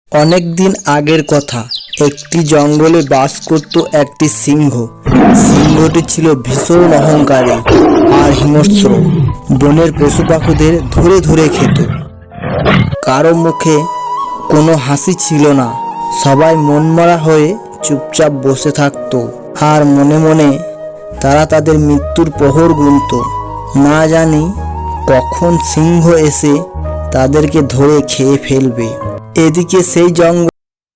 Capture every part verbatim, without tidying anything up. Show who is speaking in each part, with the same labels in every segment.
Speaker 1: অনেক দিন আগের কথা, একটি জঙ্গলে বাস করত একটি সিংহ। সিংহটি ছিল ভীষণ অহংকারী আর হিংস্র। বনের পশু পাখিদের ধরে ধরে খেত। কারো মুখে কোনো হাসি ছিল না। সবাই মনমরা হয়ে চুপচাপ বসে থাকত আর মনে মনে তারা তাদের মৃত্যুর প্রহর গুনত। না জানি কখন সিংহ এসে তাদেরকে ধরে খেয়ে ফেলবে। এদিকে সেই জঙ্গল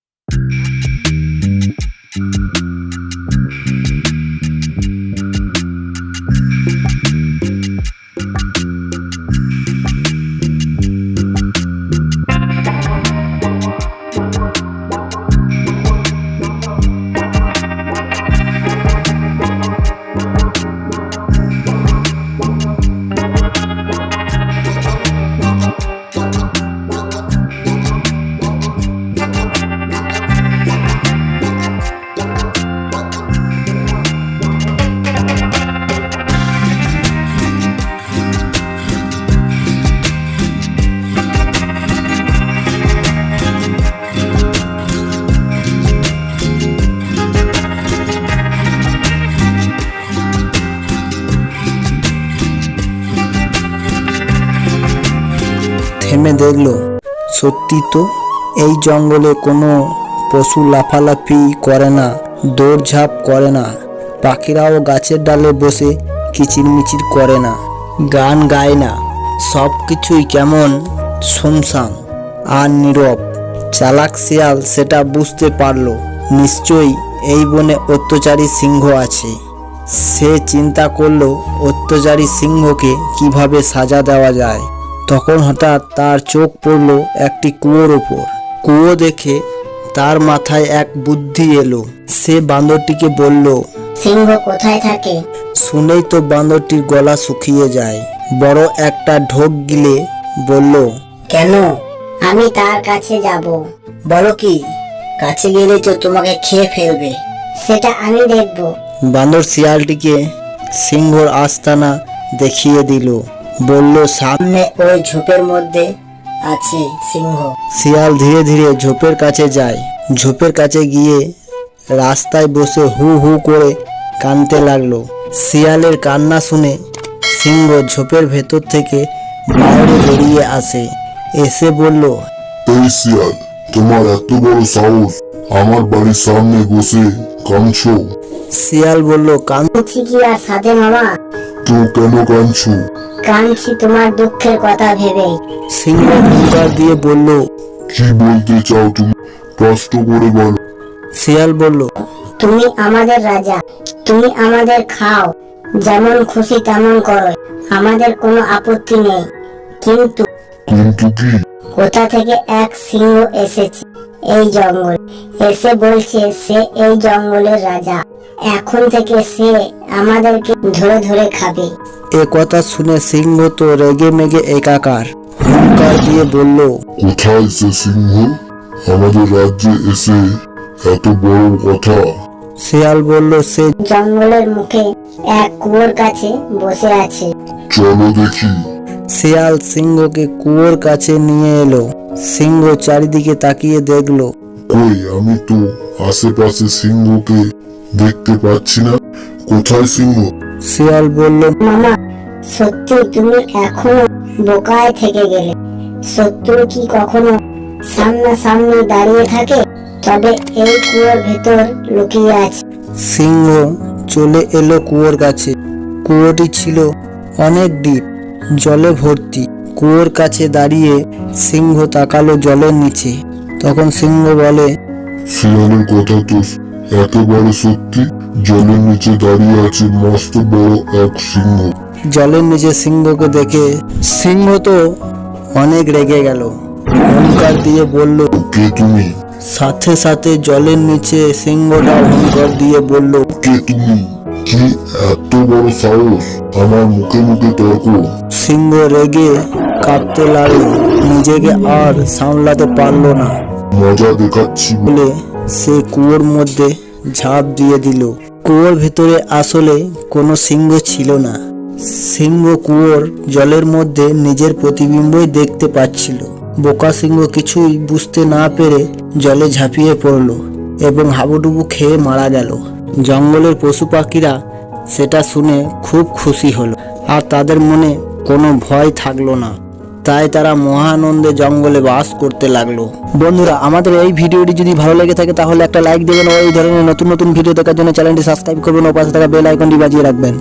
Speaker 1: থেমে দেখল, সত্যি তো এই জঙ্গলে কোনো পশু লাফালাফি করে না, দৌড়ঝাঁপ করে না। পাখিরাও গাছের ডালে বসে কিচিরমিচির করে না, গান গায় না। সব কিছুই কেমন শুনশান আর নীরব। চালাক শিয়াল সেটা বুঝতে পারল, নিশ্চয়ই এই বনে অত্যাচারী সিংহ আছে। সে চিন্তা করলো অত্যাচারী সিংহকে কিভাবে সাজা দেওয়া যায়। তখন হঠাৎ তার চোখ পড়ল একটি কুয়োর ওপর। কুয়ো দেখে তার মাথায় এক বুদ্ধি এলো। সে বান্দরটিকে বলল,
Speaker 2: সিংহ কোথায় থাকে?
Speaker 1: শুনেই তো বান্দরটির গলা শুকিয়ে যায়। বড় একটা ঢোক গিলে বলল,
Speaker 2: কেন? আমি তার কাছে যাব। বলো কি? কাছে গেলে তো তোমাকে খেয়ে ফেলবে। সেটা আমি দেখব।
Speaker 1: বান্দর শিয়ালটিকে সিংহর আস্তানা দেখিয়ে দিল। বলল, সামনে
Speaker 2: সামনে ওই ঝোপের মধ্যে আছে সিংহ।
Speaker 1: শিয়াল ধীরে ধীরে ঝোপের কাছে যায়। ঝোপের কাছে গিয়ে রাস্তায় বসে হু হু করে কাঁদতে লাগলো। শিয়ালের কান্না শুনে সিংহ ঝোপের ভেতর থেকে বাইরে বেরিয়ে আসে। এসে বলল,
Speaker 3: এই শিয়াল, তোমার এত বড় সাহস, আমার বাড়ির সামনে বসে কাঁদছো?
Speaker 1: শিয়াল বলল, কান
Speaker 2: কাঁদছি কি আর সাথে মামা?
Speaker 3: তো কেন কাঁদছো?
Speaker 2: কাঁদছি তোমার দুঃখের কথা ভেবে।
Speaker 1: সিংহ হুঙ্কার দিয়ে বলল,
Speaker 3: কি বলতে চাও তুমি? কষ্ট করে বলো।
Speaker 1: শিয়াল বলল,
Speaker 2: তুমি আমাদের রাজা, তুমি আমাদের খাও, যেমন খুশি তেমন করো, আমাদের কোনো আপত্তি নেই। কিন্তু
Speaker 3: কিন্তু কি?
Speaker 2: কোথা থেকে এক সিংহ এসেছে এই জঙ্গল, এসে বলছে সে এই জঙ্গলের রাজা। এখন থেকে সে আমাদেরকে ধরে ধরে খাবে।
Speaker 1: এ কথা শুনে সিংহ তো রেগে মেগে একাকার। হুঙ্কার দিয়ে বলল,
Speaker 3: কোথায় সে সিংহ? আমাদের রাজ্যে এসে এত বড় কথা?
Speaker 1: শিয়াল বলল, সে
Speaker 2: জঙ্গলের মুখে এক কুয়োর কাছে বসে আছে।
Speaker 3: চলো দেখি।
Speaker 1: শিয়াল সিংহকে কুয়োর কাছে নিয়ে এলো। সিংহ চারিদিকে তাকিয়ে দেখলো,
Speaker 3: কই, আমি তো আশেপাশে সিংহকে দেখতে পাচ্ছি না। কোথায় সিংহ?
Speaker 1: শিয়াল বলল,
Speaker 2: মামা, সত্যি তুমি এখনো বোকায় থেকে গেলে। শত্রু কি কখনো সামনাসামনি দাঁড়িয়ে থাকে? তবে এই কুয়োর ভেতর লুকিয়ে আছে।
Speaker 1: সিংহ চলে এলো কুয়োর কাছে। কুয়োটি ছিল অনেক ডিপ, জলে ভর্তি। কুয়োর কাছে দাঁড়িয়ে সিংহ তাকালো জলের নিচে। তখন সিংহ বলে,
Speaker 3: শিয়ালের কথা তো একেবারে সত্যি। জলের নিচে দাঁড়িয়ে আছে মস্ত বড় এক সিংহ।
Speaker 1: জলের নিচে সিংহকে দেখে সিংহ তো অনেক রেগে গেল। হুঙ্কার দিয়ে বলল,
Speaker 3: কে তুমি?
Speaker 1: সাথে সাথে জলের নিচে সিংহটা হুঙ্কার দিয়ে বলল,
Speaker 3: কে তুমি? কি এত বড় সাহস, আমার মুখে মুখে তর্ক?
Speaker 1: সিংহ রেগে কাঁপতে লাগলো। নিজেকে আর সামলাতে পারলো না
Speaker 3: মজা দেখাচ্ছি।
Speaker 1: বলে সে কুয়োর মধ্যে ঝাঁপ দিয়ে দিল। কুয়োর ভেতরে আসলে কোনো সিংহ ছিল না। সিংহ কুয়োর জলের মধ্যে নিজের প্রতিবিম্বই দেখতে পাচ্ছিল। বোকা সিংহ কিছুই বুঝতে না পেরে জলে ঝাঁপিয়ে পড়ল এবং হাবুডুবু খেয়ে মারা গেল। জঙ্গলের পশু পাখিরা সেটা শুনে খুব খুশি হলো আর তাদের মনে কোনো ভয় থাকলো না। তাই তারা মহানন্দে জঙ্গলে বাস করতে লাগলো। বন্ধুরা, আমাদের এই ভিডিওটি যদি ভালো লেগে থাকে তাহলে একটা লাইক দেবেন ও এই ধরনের নতুন নতুন ভিডিও দেখার জন্য চ্যানেলটি সাবস্ক্রাইব করবেন ও পাশে থাকা বেল আইকনটি বাজিয়ে রাখবেন।